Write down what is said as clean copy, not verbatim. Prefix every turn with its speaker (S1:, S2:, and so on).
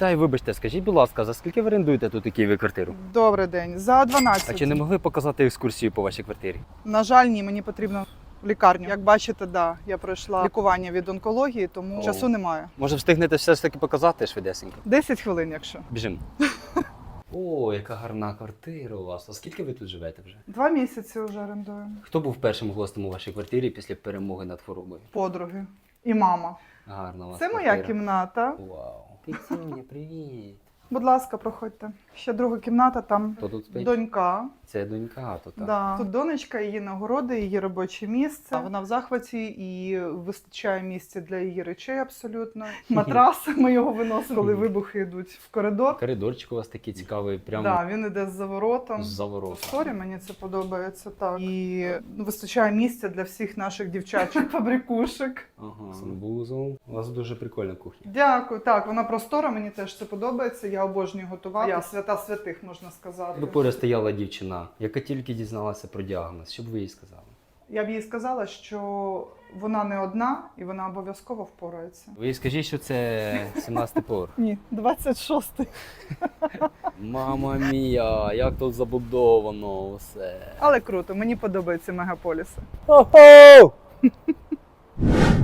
S1: Вітаю, вибачте, скажіть, будь ласка, за скільки ви орендуєте тут у Києві квартиру?
S2: Добрий день. За 12.
S1: А чи не могли показати екскурсію по вашій квартирі?
S2: На жаль, ні, мені потрібно в лікарню. Як бачите, да, я пройшла лікування від онкології, тому
S1: О.
S2: часу немає.
S1: Може встигнете все ж таки показати швидесенько?
S2: 10 хвилин, якщо.
S1: Біжимо. О, яка гарна квартира у вас. А скільки ви тут живете вже?
S2: 2 місяці вже орендую.
S1: Хто був першим гостем у вашій квартирі після перемоги над хворобою?
S2: Подруги і мама.
S1: Гарна у вас
S2: Це
S1: квартира.
S2: моя кімната.
S1: Вау. Кицюня, привіт.
S2: Будь ласка, проходьте. Ще друга кімната, там
S1: Хто тут спить?
S2: донька.
S1: Це донька, то так.
S2: Да. Тут донечка, її нагороди, її робоче місце. Вона в захваті і вистачає місця для її речей абсолютно. Матрас, ми його виносимо, коли вибухи йдуть в коридор.
S1: Коридорчик у вас такий цікавий, прямо
S2: Да, він іде з заворотом.
S1: з завороту.
S2: Сорі, мені це подобається так. І вистачає місця для всіх наших дівчачих фабрикушок.
S1: Ага, санвузол. У вас дуже прикольна кухня.
S2: Дякую. Так, вона простора, мені теж це подобається. Я обожнюю готувати. Я свята святих, можна сказати.
S1: Якби поряд стояла дівчина, яка тільки дізналася про діагноз, що б ви їй сказали?
S2: Я б їй сказала, що вона не одна і вона обов'язково впорається.
S1: Ви їй скажіть, що це 17-й поверх.
S2: Ні, 26-й.
S1: Мама мія, як тут забудовано все.
S2: Але круто, мені подобаються мегаполіси.
S1: Хо-хо!